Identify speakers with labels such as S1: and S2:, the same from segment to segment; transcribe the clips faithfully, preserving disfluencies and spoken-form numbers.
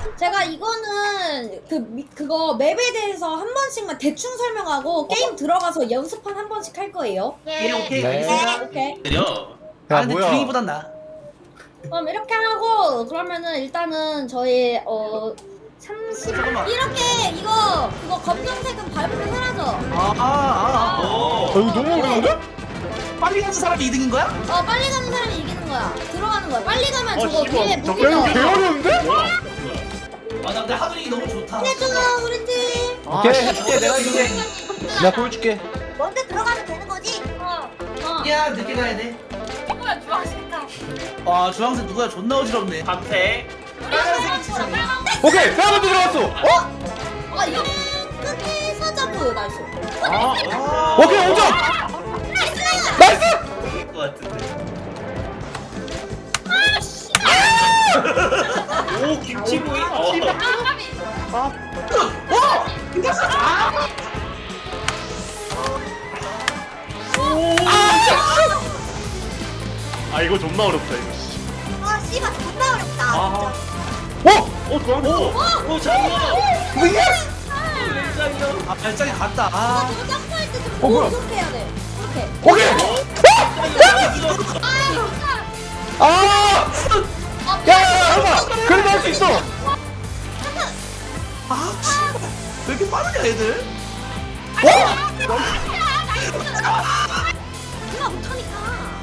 S1: 제가 이거는 그 미, 그거 맵에 대해서 한 번씩만 대충 설명하고 게임 들어가서 연습한 한 번씩 할 거예요.
S2: 예, 오케이.
S3: 네.
S2: 알겠습니다.
S1: 오케이.
S4: 느려.
S2: 아,
S3: 야
S2: 근데
S3: 뭐야?
S2: 주인이보단 나.
S1: 그럼 이렇게 하고 그러면은 일단은 저희 어 삼십
S2: 잠깐만.
S1: 이렇게 이거 그거 검정색은 밟으면 사라져.
S2: 아, 아, 아.
S4: 오.
S3: 어, 이거 너무 어려운데?
S2: 빨리 가는 사람이 이 등인 거야?
S1: 어 빨리 가는 사람이 이기는 거야. 들어가는 거야. 빨리 가면
S5: 어,
S1: 저거
S5: 씨발.
S1: 뒤에
S5: 저거
S1: 무기가.
S3: 야 이거 개 어려운데?
S2: 아, 나 근데 하드링이 너무 좋다.
S1: 해줘 우리 팀.
S3: 오케이 해줄게 내가 해줄게. 내가 보여줄게.
S6: 먼저 들어가면 되는 거지?
S1: 어. 어.
S2: 야, 늦게 가야 돼.
S6: 누구야 주황색깔
S2: 와, 주황색 누구야? 존나 어지럽네.
S4: 밤새.
S2: 빨간색이 지상해.
S3: 오케이 내가 들어갔어. 어?
S1: 아 이거 끝에 사자부 나이스.
S4: 아.
S3: 오케이 오점. 나이스.
S4: 이길 것 같은데. 오 김치구이. 어.
S2: 어! 이겼어! 아!
S5: 아 이거 존나 어렵다 이거.
S6: 아 씨발 존나 어렵다
S5: 아.
S3: 어?
S5: 어 좋아.
S4: 오 장어.
S3: 뭐야?
S4: 짱이요.
S2: 아, 발작이 갔다. 아.
S1: 저거 점프할 때좀
S3: 어, 뭐야?
S1: 이렇게 해야 돼. 이렇게.
S3: 오케이. 아! 야야야 잠깐. 그래도 할 수 있어.
S2: 아, 씨발. 왜 이렇게 빠르냐, 애들?
S3: 어?
S6: 누가 못하니까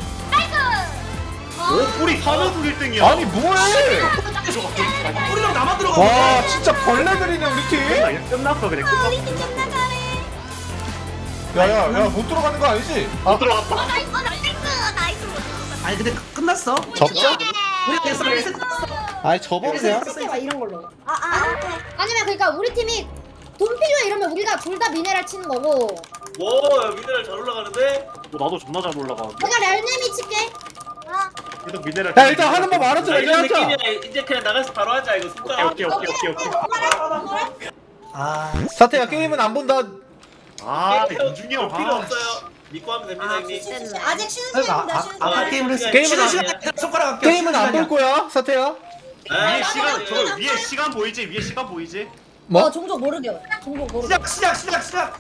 S5: 오 뿌리 사면서 일 등이야.
S3: 아니 뭐해?
S2: 우리랑 나만 들어가.
S3: 와 진짜 벌레들이네 우리 팀.
S5: 그냥 끝났어 그냥 끝났어.
S6: 우리 팀 존나 잘해
S3: 야야야 못 들어가는 거 아니지?
S5: 못 들어갔다.
S6: 어 나이스 어, 나이스 나이스 못 들어갔다.
S2: 아니, 근데 끝- 끝났어.
S3: 접자?
S2: 우리 됐어, 우리 됐어.
S3: 아니 접어보세요.
S1: 이렇게 막 이런 걸로.
S6: 아, 아, 오케이.
S1: 아니면 그러니까 우리 팀이 돈 필요해 이러면 우리가 둘 다 미네랄 치는 거고.
S4: 와 미네랄 잘 올라가는데.
S5: 어, 나도 존나 잘 올라가는데.
S1: 내가 렐네미 칠게.
S6: 아,
S5: 계속 미네랄.
S3: 야 일단 하는 법 알았어.
S4: 자,
S3: 이제
S4: 이런
S3: 하자.
S4: 느낌이야. 이제 그냥 나가서 바로 하자 이거
S5: 오케이
S4: 손가락.
S5: 오케이 오케이 오케이 오케이.
S2: 아.
S3: 사태야 게임은 안 본다.
S5: 아 윤중이 형.
S4: 필요
S5: 아,
S4: 없어요. 믿고 하면 됩니다
S6: 아,
S4: 형님.
S6: 진짜.
S1: 아직 쉬는
S2: 아,
S1: 시간입니다.
S2: 아,
S1: 쉬는
S2: 아,
S1: 시간.
S2: 아, 게임을 했어.
S3: 게임은
S2: 쉬는
S3: 안-
S2: 시간이야. 손가락 할게.
S3: 게임은 안 볼 거야 사태야.
S4: 아,
S5: 위에 시간
S4: 시간이-
S5: 저거 위에 시간 보이지? 위에 시간 보이지?
S3: 뭐?
S1: 어 종족 모르게. 종족 모르게.
S2: 시작, 시작, 시작, 시작.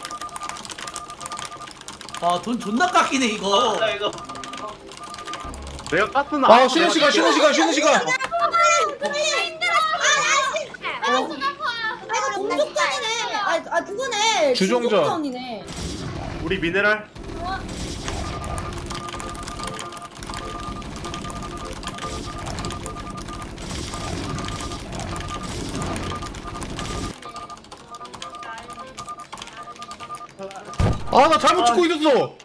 S2: 아, 돈 존나 깎이네, 이거.
S4: 아 이거.
S5: 내가 깠으나.
S3: 아 쉬는 시간 쉬는 시간 쉬는 시간.
S1: 아 이거 종족전이네. 아, 아 그거네.
S3: 주종전.
S1: 주종전이네.
S5: 우리 미네랄.
S3: 아 나 잘못 찍고 있었어.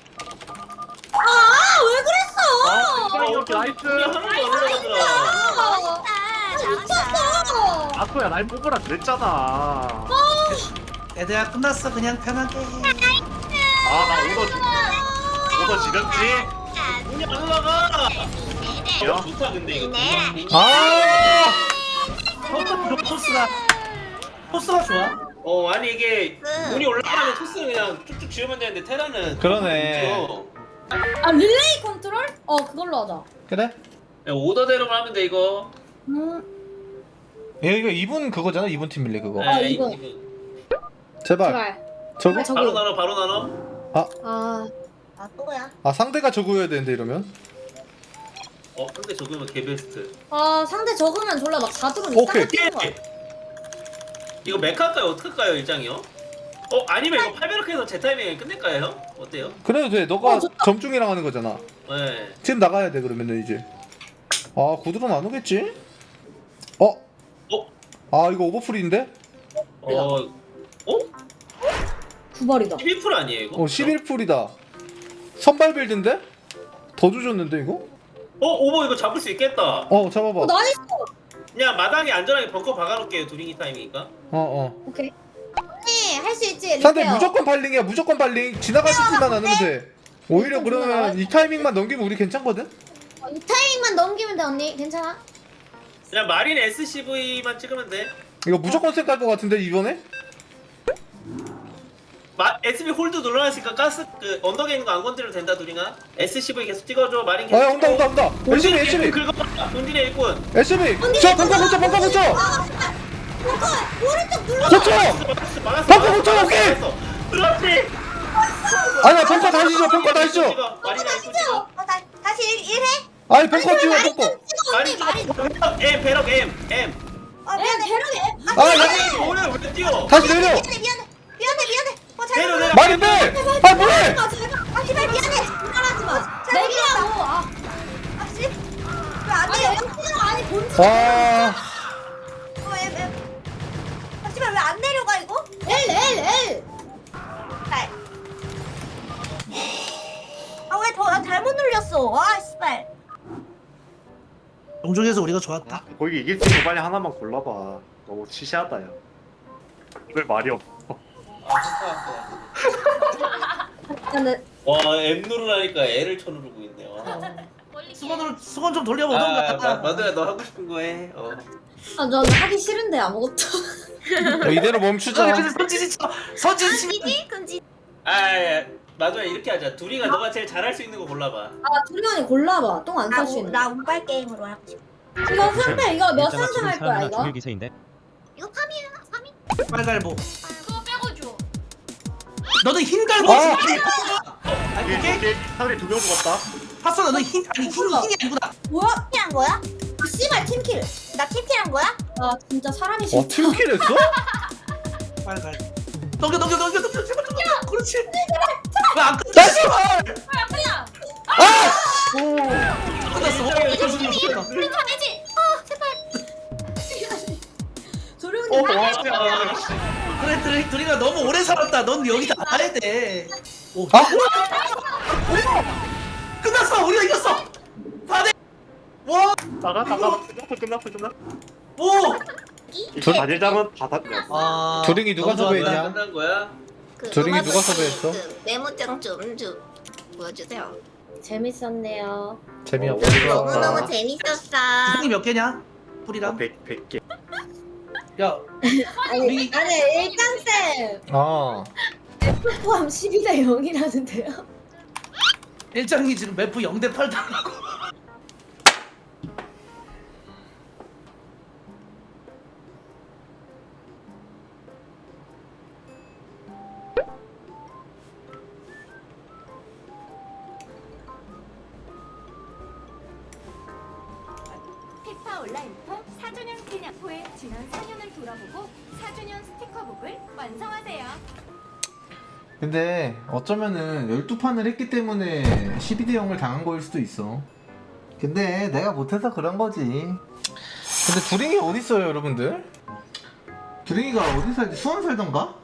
S1: 아왜 그랬어?
S5: 아 이렇게 나이스.
S4: 우리 하나도 안 올라가더라.
S1: 아, 미쳤어.
S5: 아토야 날 뽑으라 그랬잖아.
S2: 애들아, 끝났어. 그냥 편하게.
S5: 아나 오더 지 오더 지렸지?
S4: 우리 안 올라가.
S5: 야.
S4: 어, 좋다 근데 이거.
S3: 아
S2: 포스, 포스가. 포스가 좋아.
S4: 어 아니 이게
S6: 그-
S4: 운이 올라가면 토스는 그냥 쭉쭉 지우면 되는데 테라는
S3: 그러네.
S4: 그렇죠.
S1: 아 릴레이 컨트롤? 어 그걸로 하자.
S3: 그래?
S4: 그냥 오더대로만 하면 돼 이거.
S1: 음.
S3: 얘 이거 이분 그거잖아 이분 팀 밀리 그거.
S1: 아,
S4: 네,
S1: 이거.
S3: 제발.
S1: 제발.
S3: 저거?
S1: 아, 저거.
S4: 바로 나눠 바로 나눠.
S1: 아
S6: 아 또야
S3: 아 상대가 저거여야 되는데 이러면.
S4: 어 근데 적으면 개베스트.
S1: 아 상대 적으면 졸라 막 사드론
S3: 오케이.
S4: 오케이. 이거 메카일까요 어떡할까요 일장이요? 어 아니면 이거 팔베르크에서 제 타이밍에 끝낼까요 형? 어때요?
S3: 그래도 돼. 너가
S1: 어, 좋다.
S3: 점중이랑 하는 거잖아.
S4: 네.
S3: 지금 나가야 돼 그러면은 이제. 아 구두론 안 오겠지? 어?
S4: 어?
S3: 아 이거 오버풀인데?
S4: 어. 어?
S1: 구발이다.
S4: 십일 퍼센트 아니에요 이거?
S3: 어 십일 풀이다. 선발 빌드인데? 더 주셨는데 이거?
S4: 어 오버 이거 잡을 수 있겠다.
S3: 어 잡아봐.
S1: 어 나이스.
S4: 그냥 마당에 안전하게 벙커 박아놓을게요 두링이 타이밍이니까.
S3: 어 어.
S1: 오케이. 언니 할 수 있지.
S3: 상대
S1: 리페어.
S3: 무조건 발링이야 무조건 발링. 지나갈 수만 않으면 돼. 오히려
S1: 무조건
S3: 그러면
S1: 지나가요?
S3: 이 타이밍만 넘기면 우리 괜찮거든?
S1: 어, 이 타이밍만 넘기면 돼 언니. 괜찮아.
S4: 그냥 마린 에스씨브이만 찍으면 돼.
S3: 이거 무조건 쌩깔 것 같은데 이번에?
S4: 마, 에스비 홀드 눌러놨으니까 가스 그 언덕에 있는 거 안 건드려도 된다 두링아. 에스씨브이 계속 찍어줘 마린 계속
S3: 아 온다 온다 온다. 에스비 에스비
S4: 긁어봐 돈딜의 일꾼.
S3: 에스비. 저 벙커 붙여 벙커 붙여.
S1: 아 이거 오른쪽 눌러.
S3: 고쳐!
S4: 막았어 막았어.
S3: 벙커 고쳐, 오케이!
S4: 그렇지.
S3: 아니야 벙커 다시 줘 벙커 다시 줘
S4: 찍어, 많이
S1: 다시
S4: 찍어.
S1: 찍어.
S6: 어, 다, 다시 일, 일해?
S3: 아니 벙커 찍어
S1: 많이
S3: 벙커
S1: 좀 찍어
S4: 많이
S1: 언니 많이.
S4: 찍어. 배럭 M 배럭 M M.
S6: 어,
S1: 에
S6: 미안해.
S1: 대령이.
S3: 아 여기
S4: 오늘 왜 뛰어?
S3: 다시 내려
S6: 미안해, 미안해. 미안해, 미안해. 어, 잘못
S4: 내려 내려.
S3: 말이 빼아 뭐해
S1: 아 제발.
S6: 아, 제발 미안해.
S1: 말하지 마.
S6: 잘
S1: 내기라고. 아.
S6: 아, 씨. 왜안
S1: 아니
S6: 내려?
S1: 영수가 아니 본지.
S3: 와
S6: 어, 왜, 왜. 아, 씨발, 왜 안 내려가, 이거?
S1: L L L.
S6: 씨발. 아, 왜 더, 나 잘못 눌렸어. 아, 씨발.
S2: 종족에서 우리가 좋았다.
S5: 거기 이길 수 있는 거 빨리 하나만 골라봐. 너무 치시하다 야. 왜 말이 없어?
S4: 아 좋다.
S1: 근데
S4: 와 M 누르라니까 L을 쳐 누르고 있네. 와.
S2: 수건으로 수건 좀
S4: 아,
S2: 돌려보던가.
S4: 마- 마누야 너 하고 싶은 거 해. 어.
S1: 아 저는 하기 싫은데 아무것도.
S3: 어, 이대로 멈추자
S2: 선진이 쳐. 선진 치.
S6: 금지지? 금지.
S4: 아, 야, 마누야 이렇게 하자. 둘이가 너가 제일 잘할 수 있는 거 골라봐.
S1: 아 두리언이 골라봐. 똥 안
S6: 나,
S1: 쌀 수
S6: 우-
S1: 있는.
S6: 나 운빨 게임으로 하고 싶어.
S1: 이거 상대 이거 몇
S7: 일자가
S1: 상승
S7: 지금
S1: 할 거야
S7: 사람이나
S1: 이거?
S7: 죽일 기세인데.
S6: 이거 삼 위야, 삼 위?
S2: 빨갈보.
S6: 그거 빼고 줘.
S2: 너는 흰 갈보.
S3: 아!
S2: 아니
S5: 이게
S2: 이게
S5: 이게 사람이 두 명 죽었다.
S2: 봤어 너는 흰 아니 흰 흰이 아니구나.
S1: 뭐야?
S6: 팀킬한 거야?
S1: 씨발 팀킬.
S6: 나 팀킬한 거야?
S1: 아 진짜 사람이
S3: 어
S1: 싫다.
S3: 팀킬 했어?
S2: 빨갈. 넘겨 넘겨 넘겨 넘겨 제발 넘겨. 그렇지. 왜안 끝났어?
S3: 나이스!
S2: 안 끝났어. 어, 이거 좀 웃기다.
S6: 우리 잘해지? 아, 제발.
S1: 조룡이
S5: 어,
S1: 나
S5: 와,
S4: 아,
S2: 그래 둘이 둘이가 너무 오래 살았다. 넌 여기다 와야 돼. 오.
S3: 아?
S2: 끝났어. 우리가 이겼어. 사 대. 와.
S5: 나가 나가 끝났어 끝났어 끝났어.
S2: 오.
S5: 이 단일장은 다 닫냐?
S2: 아.
S3: 조링이 누가
S2: 너무
S3: 섭외했냐?
S2: 좋았다.
S4: 끝난 거야?
S6: 그
S3: 조링이
S6: 음악
S3: 누가 섭외했어?
S6: 그 메모장 좀, 좀 보여주세요.
S1: 재밌었네요.
S6: 너무너무
S3: 재미없어
S6: 재밌었어.
S2: 구성이 몇 개냐? 뿌리랑.
S5: 백 백 개.
S2: 야.
S1: 아니
S2: 우리-
S1: 아니 일단 쌤
S3: 어
S1: F 포함 십이 대 영이라는데요?
S2: 일장이 지금 매프 영 대 팔 당하고.
S8: 피파 온라인부터 사 주년 기념포의 지난 사 년을 돌아보고 사 주년 스티커북을 완성하세요.
S9: 근데 어쩌면은 열두 판을 했기 때문에 십이 대 영을 당한 거일 수도 있어. 근데 내가 못해서 그런 거지.
S3: 근데 두링이 어딨어요 여러분들?
S9: 두링이가 어디 살지? 수원 살던가?